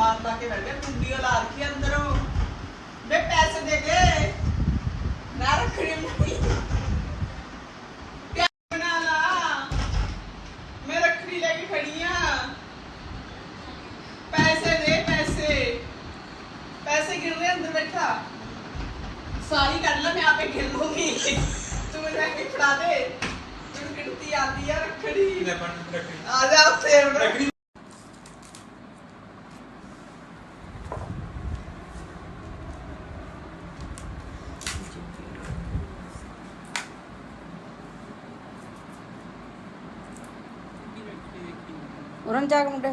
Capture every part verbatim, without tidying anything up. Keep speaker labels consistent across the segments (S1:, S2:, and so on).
S1: मार ला के बैठ गया कुंडी ला रखी अंदरों बे पैसे दे के ना रखड़ी नहीं क्या बना ला मैं रखड़ी लेके खड़ी हां पैसे दे पैसे पैसे गिर रहे अंदर बैठा सारी कर ला मैं आपे गिर लूंगी तू मुझे आके खड़ा दे तू गिनती आती है रखड़ी ले बन रखड़ी आ जा उठे रखड़ी
S2: उरन जाग मुंडे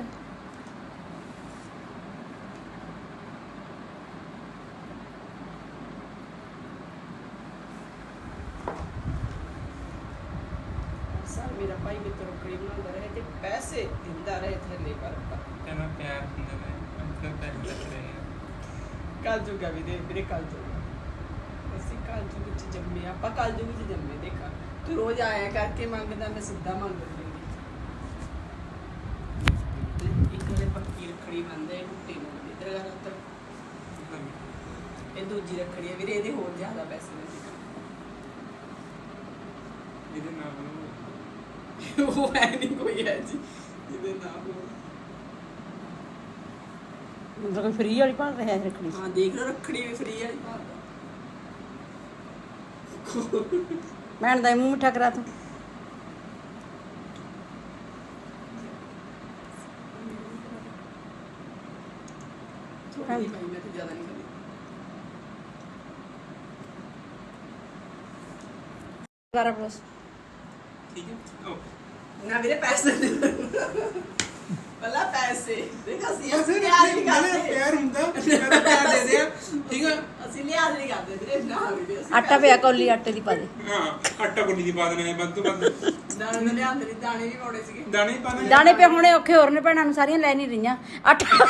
S1: सर मेरा भाई भी तो रखड़ी बनांदा रहे ते पैसे दिंदा रहे थले पर
S3: कहना प्यार दिंदा रहे अंतर पैसे लग रहे हैं
S1: कल जुगा भी दे मेरे कल जुगा ਅਸੀਂ कल जुग ਚ ਜੰਮੇ ਆਪਾਂ कल जुग ਚ ਜੰਮੇ ਦੇਖਾ ਤੂੰ ਰੋਜ਼ ਆਇਆ ਕਰਕੇ ਮੰਗਦਾ ਮੈਂ ਸਿੱਧਾ ਮੰਗ ਲੈਂਦੀ ਇੱਕ ਵਾਲੇ ਪੱਕੀ ਰੱਖੜੀ ਬੰਦੇ ਟੁੱਟੀ ਨੂੰ ਇਧਰ ਗਾ ਉੱਤਰ ਇਹ ਦੂਜੀ ਰੱਖੜੀ ਹੈ ਵੀਰੇ ਇਹਦੇ ਹੋਰ ਜ਼ਿਆਦਾ ਪੈਸੇ ਨੇ
S3: ਇਹਦੇ ਨਾਲ
S1: ਉਹ ਹੈ ਨਹੀਂ ਕੋਈ ਹੈ ਜੀ ਇਹਦੇ ਨਾਲ
S2: मतलब फ्री वाली पढ़ रहे हैं रखड़ी
S1: हाँ देख लो रखड़ी भी फ्री है
S2: मैंने दाई मुंह मिठा करा तू
S1: भाई मैं तो ज्यादा नहीं करी
S2: करा बस
S3: ठीक है ओके
S1: ना मेरे पैसे पहला पैसे देखा सी ਅਸੀਂ ਲਿਆਜ਼ ਨਹੀਂ ਕਰਦੇ
S3: ਪਿਆਰ ਹੁੰਦਾ ਮੈਂ ਪਿਆਰ ਦੇ ਦਿਆ ਠੀਕ ਹੈ
S1: ਅਸੀਂ ਲਿਆਜ਼ ਨਹੀਂ ਕਰਦੇ ਵੀਰੇ ਨਾ ਵੀਰੇ ਅਸੀਂ
S2: आटा पिया कौली आटे दी पा दे
S3: ਹਾਂ ਆਟਾ ਗੁੰਡੀ ਦੀ ਪਾ ਦੇਣਾ ਹੈ ਬੰਦ ਤੋਂ ਬੰਦ
S1: ਦਾਣੇ ਨੇ ਲਿਆਂਦੇ ਨਹੀਂ ਦਾਣੇ ਵੀ ਪਾਉਣੇ ਸੀਗੇ
S3: ਦਾਣੇ ਪਾ ਦੇਣੇ
S2: दाने पे हुणे औखे होर ने भैणां ਨੂੰ ਸਾਰੀਆਂ ਲੈ ਨਹੀਂ ਰਹੀਆਂ आटा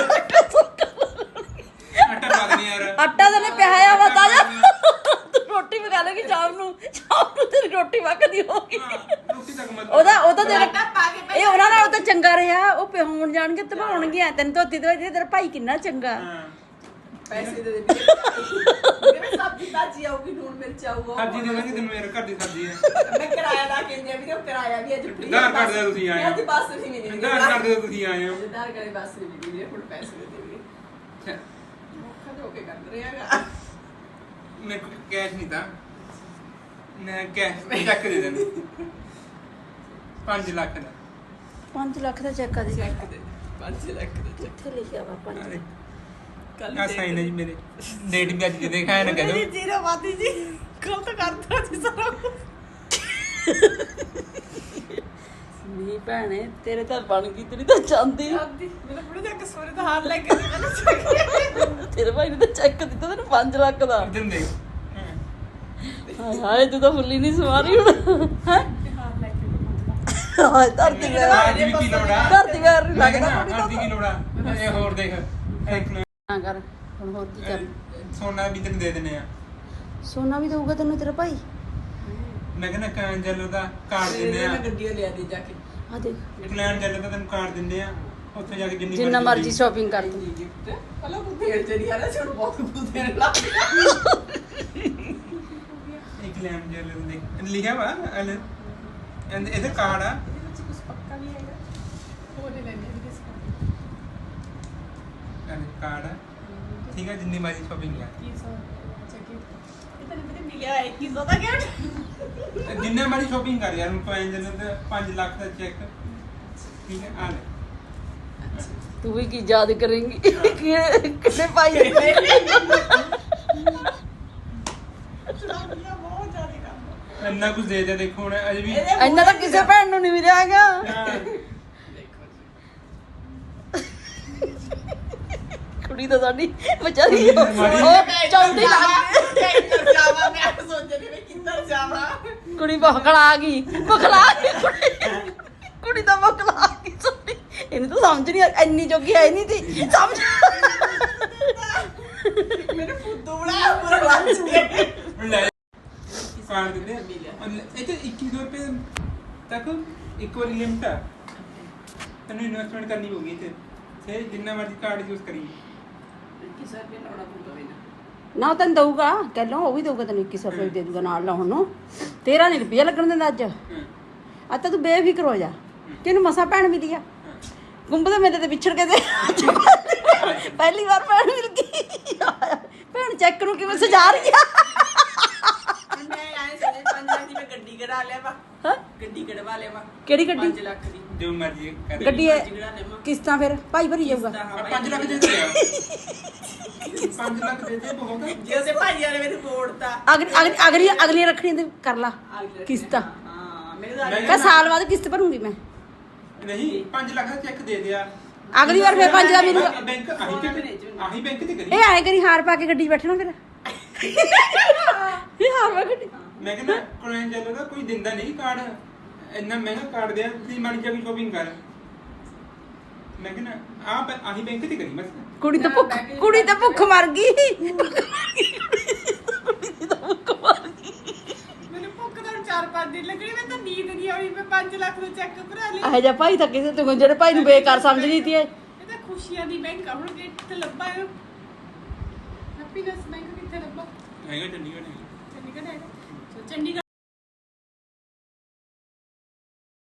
S3: ਆਟਾ ਪਾ ਦੇਣੀ ਯਾਰ
S2: आटा ਤਾਂ ਨੇ ਪਿਆਇਆ ਵਾ ਤਾਜਾ ਤੂੰ ਰੋਟੀ ਪਕਾ ਲੇਗੀ ਸ਼ਾਮ ਨੂੰ ਸ਼ਾਮ ਨੂੰ ਤੇਰੀ ਰੋਟੀ ਪੱਕਦੀ ਹੋਗੀ
S3: ਰੋਟੀ ਤੱਕ ਮਤ
S2: ਉਹਦਾ ਉਹ ਤਾਂ ਤੇਰਾ
S1: ਆਟਾ ਪਾ ਕੇ
S2: ਇਹ ਉਹਨਾਂ ਨਾਲ ਉਹ ਤਾਂ ਚੰਗਾ ਰਿਹਾ ਉਹ ਪਿਹਾਉਣ ਜਾਣਗੇ ਤਬਾਉਣਗੇ ਤੈਨੂੰ ਧੋਤੀ ਤੋਂ ਤੇਰਾ ਭਾਈ ਕਿੰਨਾ ਚੰਗਾ
S3: ਹਾਂ
S1: ਪੈਸੇ ਦੇ ਦੇ ਵੀਰੇ ਸਬਜ਼ੀ ਤਾਜੀ ਆਊਗੀ ਨੂਨ ਮਿਰਚ ਆਊਗਾ
S3: ਸਬਜ਼ੀ ਦੇ ਦਾਂਗੇ ਤੈਨੂੰ ਮੇਰੇ ਘਰ ਦੀ ਸਬਜ਼ੀ ਹੈ
S1: ਮੈਂ ਕਿਰਾਇਆ ਲਾ ਕੇ ਇੰਡੀਆ ਵੀਰੇ ਕਿਰਾਇਆ ਵੀ ਅੱਜ ਫ੍ਰੀ
S3: ਆਧਾਰ ਕਾਰਡ ਦੇ ਤੁਸੀਂ ਆਏ ਹੋ।
S1: ਅੱਜ ਬੱਸ ਨਹੀਂ ਮਿਲੀ
S3: ਆਧਾਰ ਕਾਰਡ ਦੇ ਤੁਸੀਂ ਆਏ ਹੋ
S1: ਆਧਾਰ ਕਾਰਡ ਬੱਸ ਨਹੀਂ ਮਿਲੀ ਵੀਰੇ ਹੁਣ ਪੈਸੇ ਦੇ ਦੇ ਵੀਰੇ ਮੌਕਾ ਦੇ ਹੋ ਕੇ ਕਰ ਰਿਹਾਗਾ
S3: ਮੇਰੇ ਕੋਲ ਕੈਸ਼ ਨਹੀਂ ਤਾਂ ਮੈਂ ਕੈਸ਼ ਚੈੱਕ ਦੇ ਦੇਣਾ ਪੰਜ ਲੱਖ ਦਾ
S2: ਪੰਜ ਲੱਖ ਦਾ ਚੈੱਕ ਆ ਦੇ
S1: ਚੈੱਕ ਦੇ ਪੰਜ ਲੱਖ ਦਾ ਚੈੱਕ
S2: ਕਿੱਥੇ ਲਿਖਿਆ ਵਾ ਪੰਜ
S3: ਅਰੇ
S1: ਕੱਲ
S3: ਆ ਸਾਈਨ ਹੈ ਜੀ ਮੇਰੇ ਡੇਟ ਵੀ ਅੱਜ ਦੇ ਦਿਖਾਇਆ ਨਾ
S1: ਮੇਰੀ
S3: ਕਦੋਂ
S1: ਜੀਰੋ ਵਾਦੀ ਜੀ ਕੱਲ ਤਾਂ ਕਰਤਾ ਸੀ ਸਾਰਾ
S2: ਨਹੀਂ ਭੈਣੇ ਤੇਰੇ ਤਾਂ ਬਣ ਗਈ ਤੇਰੀ ਤਾਂ ਚਾਂਦੀ
S1: ਆਦੀ ਮੇਰੇ ਬੁੜੇ ਦਾ ਕਸੂਰੇ ਦਾ ਹਾਰ ਲੈ ਕੇ ਮੈਨੂੰ ਚੱਕਿਆ
S2: ਤੇਰੇ ਭਾਈ ਨੇ ਤਾਂ ਚੈੱਕ ਦਿੱਤਾ ਤੈਨੂੰ ਪੰਜ ਲੱਖ ਦਾ
S3: ਇਧਰ ਦੇਖ
S2: ਹਾਏ ਹਾਏ ਤੂੰ ਤਾਂ ਫੁੱਲੀ ਨਹੀਂ ਸਵਾਰੀ ਹੁਣ ਹੈ
S1: ਹਾਰ ਲੈ ਕੇ
S2: ਹਾਏ ਧਰਤੀ ਵੇ
S3: ਅੱਜ ਵੀ ਕੀ ਲੋੜਾ
S2: ਧਰਤੀ ਵੇ ਨਹੀਂ ਲੱਗਦਾ
S3: ਅੱਜ ਕੀ ਲੋੜਾ ਇਹ ਹੋਰ ਦੇਖ ਇੱਕ ਨਾ
S2: ਹਾਂ ਕਰ ਹੁਣ ਹੋਰ ਕੀ ਕਰ
S3: ਸੋਨਾ ਵੀ ਤੈਨੂੰ ਦੇ ਦਿੰਨੇ ਆ
S2: ਸੋਨਾ ਵੀ ਦਊਗਾ ਤੈਨੂੰ ਤੇਰਾ ਭਾਈ
S3: ਮੈਂ ਕਹਿੰਦਾ ਕਾਂਜਲ ਦਾ ਕਾਰਡ ਦਿੰਦੇ ਆ
S1: ਮੈਂ ਗੱਡੀ ਲਿਆ ਦੇ ਜਾ ਕੇ
S2: ਆ ਦੇਖ
S3: ਇੰਗਲੈਂਡ ਚੱਲ ਤਾਂ ਤੈਨੂੰ ਕਾਰਡ ਦਿੰਦੇ ਆ ਉੱਥੇ ਜਾ ਕੇ ਜਿੰਨੀ
S2: ਜਿੰਨਾ ਮਰਜ਼ੀ ਸ਼ਾਪਿੰਗ ਕਰ ਤੂੰ
S1: ਗਿਫਟ ਪਹਿਲਾਂ ਉਹ ਦੇਰ ਚੜੀ ਆ ਨਾ ਛੋੜ ਬਹੁਤ ਕੁਝ ਦੇਣ ਲੱਗ ਗਿਆ
S3: ਇੰਗਲੈਂਡ ਚੱਲ ਦੇ ਲਿਖਿਆ ਵਾ ਅਲ ਇਹਦੇ ਕਾਰਡ ਆ
S1: ਇਹਦੇ ਵਿੱਚ ਕੁਝ ਪੱਕਾ ਵੀ ਹੈਗਾ ਉਹ ਲੈ ਲੈਣੇ ਵੀ ਕਿਸ
S3: ਅਲ ਕਾਰਡ ਆ ਠੀਕ ਆ ਜਿੰਨੀ ਮਰਜ਼ੀ ਸ਼ਾਪਿੰਗ ਆ
S1: ਕੀ ਸੋ ਚੱਕੀ ਇਹ ਤਾਂ ਨਹੀਂ ਮਿਲਿਆ ਹੈ ਕੀ ਸੋ ਦਾ ਗਿਫਟ
S3: ਜਿੰਨੇ ਮਰਜ਼ੀ ਸ਼ਾਪਿੰਗ ਕਰ ਯਾਰ ਤੂੰ ਇੰਜਨ ਤੇ ਪੰਜ ਲੱਖ ਦਾ ਚੈੱਕ ਠੀਕ ਹੈ ਆ ਲੈ
S2: ਤੂੰ ਵੀ ਕੀ ਯਾਦ ਕਰੇਂਗੀ ਕਿਹੜੇ ਭਾਈ ਨੇ
S1: ਬਹੁਤ ਜ਼ਿਆਦਾ ਕੰਮ
S3: ਇੰਨਾ ਕੁਝ ਦੇ ਦੇ ਦੇਖੋ ਹੁਣ ਅਜੇ ਵੀ
S2: ਇੰਨਾ ਤਾਂ ਕਿਸੇ ਭੈਣ ਨੂੰ ਨਹੀਂ ਮਿਲਿਆ ਹੈਗਾ ਕੁੜੀ ਤਾਂ ਸਾਡੀ ਵਿਚਾਰੀ ਉਹ ਚੌਂਦੀ ਲੱਗ
S1: ਕਿੱਧਰ ਜਾਵਾਂ ਮੈਂ ਸੋਚ ਰਹੀ ਮੈਂ ਕਿੱਧਰ ਜਾਵਾਂ
S2: ਕੁੜੀ ਬਖਲਾ ਗਈ ਬਖਲਾ ਗਈ ਕੁੜੀ ਕੁੜੀ ਤਾਂ ਬਖਲਾ ਗਈ ਸਾਡੀ ਇਹਨੂੰ ਤਾਂ ਸਮਝ ਨਹੀਂ ਆ ਇੰਨੀ ਜੋਗੀ ਹੈ ਨਹੀਂ ਤੀ ਸਮਝ
S1: ਮੇਰੇ ਫੁੱਦੂ ਬੜਾ ਪੂਰਾ ਲੱਜ ਗਿਆ
S3: ਲੈ ਕਾਰਡ ਦਿੰਦੇ ਆ ਇਹ ਤੇ ਇੱਕੀ ਸੌ ਰੁਪਏ ਤੱਕ ਇੱਕ ਵਾਰੀ ਲਿਮਟ ਆ ਤੈਨੂੰ ਇਨਵੈਸਟਮੈਂਟ ਕਰਨੀ ਹੋਗੀ ਤੇ ਫਿਰ ਜਿੰਨਾ ਮਰਜ਼ੀ ਕਾਰਡ ਯੂਜ਼ ਕਰੀ
S1: ਕਿਸੇ ਰੁਪਏ ਲਾਉਣਾ ਪਊਗਾ ਵੀ ਨਾ
S2: ਨਾ ਉਹ ਤੈਨੂੰ ਦਊਗਾ ਕਹਿ ਉਹ ਵੀ ਦਊਗਾ ਤੈਨੂੰ ਇੱਕੀ ਸੌ ਰੁਪਏ ਦੇ ਦਊਗਾ ਨਾਲ ਲਾਉਣ ਨੂੰ ਤੇਰਾ ਨਹੀਂ ਰੁਪਈਆ ਲੱਗਣ ਦਿੰਦਾ ਅੱਜ ਅੱਜ ਤਾਂ ਤੂੰ ਬੇਫਿਕਰ ਹੋ ਜਾ ਕਿਹਨੂੰ ਮਸਾ ਭੈਣ ਮਿਲੀ ਆ ਗੁੰਬ ਦੇ ਮੇਰੇ ਤੇ ਵਿਛੜ ਕੇ ਤੇ ਪਹਿਲੀ ਵਾਰ ਭੈਣ ਮਿਲ ਗਈ ਭੈਣ ਚੈੱਕ ਨੂੰ ਕਿਵੇਂ ਸਜਾ ਰਹੀ ਆ
S1: ਮੈਂ ਆਏ ਸੋਚੇ ਪੰਜ ਲੱਖ ਦੀ ਮੈਂ ਗੱਡੀ ਕਢਾ ਲਿਆ ਵਾ
S2: ਹਾਂ
S1: ਗੱਡੀ ਕਢਵਾ ਲਿਆ ਵਾ
S2: ਕਿਹੜੀ ਗੱਡੀ
S1: ਪੰਜ ਲੱਖ ਦੀ
S3: ਜੋ ਮਰਜ਼ੀ ਕਰ
S2: ਗੱਡੀ
S1: ਗੱਡੀ ਕਢਾ ਲਿਆ ਵਾ
S2: ਕਿਸ਼ਤਾਂ ਫਿਰ ਭਾਈ ਭਰੀ ਜਾਊਗਾ
S3: ਪੰਜ ਲੱਖ ਦੇ ਦੇ ਪੰਜ ਲੱਖ ਦੇ ਦੇ ਬਹੁਤ ਆ।
S1: ਜੇ ਉਸੇ ਭਾਈ ਵਾਲੇ ਮੈਨੂੰ ਮੋੜਤਾ
S2: ਅਗਲੀ ਅਗਲੀ ਅਗਲੀ ਅਗਲੀ ਰੱਖਣੀ ਤੇ ਕਰ ਲਾ ਕਿਸ਼ਤਾਂ
S1: ਹਾਂ ਮੇਰੇ ਦਾ
S3: ਮੈਂ
S2: ਕਹ ਸਾਲ ਬਾਅਦ ਕਿਸ਼ਤ ਭਰੂੰਗੀ ਮੈਂ
S3: ਨਹੀਂ ਪੰਜ ਲੱਖ ਦਾ ਚੈੱਕ ਦੇ ਦਿਆ
S2: ਅਗਲੀ ਵਾਰ ਫਿਰ ਪੰਜ ਦਾ ਮੈਨੂੰ
S3: ਬੈਂਕ ਆਹੀ ਤੇ ਆਹੀ ਬੈਂਕ ਤੇ ਕਰੀ
S2: ਇਹ ਆਏ ਕਰੀ ਹਾਰ ਪਾ ਕੇ ਗੱਡੀ 'ਚ ਬੈਠਣਾ ਫਿਰ ਇਹ ਹਾਰ ਪਾ ਕੇ ਗੱਡੀ
S3: ਮੈਂ ਕਹਿੰਦਾ ਕੋਲੈਨ ਜੈਲੋ ਦਾ ਕੋਈ ਦਿੰਦਾ ਨਹੀਂ ਕਾਰਡ ਇੰਨਾ ਮਹਿੰਗਾ ਕਾਰਡ ਦਿਆ ਤੁਸੀਂ ਮਾੜੀ ਜਿਹੀ ਸ਼ੋਪਿੰਗ ਕਰ ਮੈਂ ਕਹਿੰਦਾ ਆ ਆਹੀ ਬੈਂਕ ਤੇ ਕਰੀ ਬਸ
S2: ਕੁੜੀ ਤਾਂ ਭੁੱਖ ਕੁੜੀ ਤਾਂ ਭੁੱਖ ਮਰ ਗਈ ਕੁੜੀ ਤਾਂ ਭੁੱਖ ਮਰ ਗਈ
S1: ਮੈਨੂੰ ਭੁੱਖ ਤਾਂ ਚਾਰ ਪੰਜ ਦਿਨ ਲੱਗਣੀ ਮੈਂ ਤਾਂ ਨੀਂਦ ਨਹੀਂ ਆਉਣੀ ਮੈਂ ਪੰਜ ਲੱਖ ਦਾ ਚੈੱਕ ਭਰਾ ਲਿਆ
S2: ਇਹ ਜਿਹਾ ਭਾਈ ਤਾਂ ਕਿਸੇ ਤੋਂ ਜਿਹੜੇ ਭਾਈ ਨੂੰ ਬੇਕਾਰ ਸਮਝ ਲਈ ਤੀ ਇਹ
S1: ਇਹ ਤਾਂ ਖੁਸ਼ੀਆਂ ਦੀ ਬੈਂਕ ਆ ਹੁਣ ਕਿੱਥੇ ਲੱਭਾ ਹੈ ਹੈਪੀਨੈਸ ਬੈਂਕ ਕਿੱਥੇ ਲੱਭਾ
S3: ਹੈਗਾ ਚੰਡੀਗੜ੍ਹ ਹੈਗਾ
S1: ਚੰਡੀਗੜ੍ਹ ਹੈਗਾ ਚੰਡੀਗੜ੍ਹ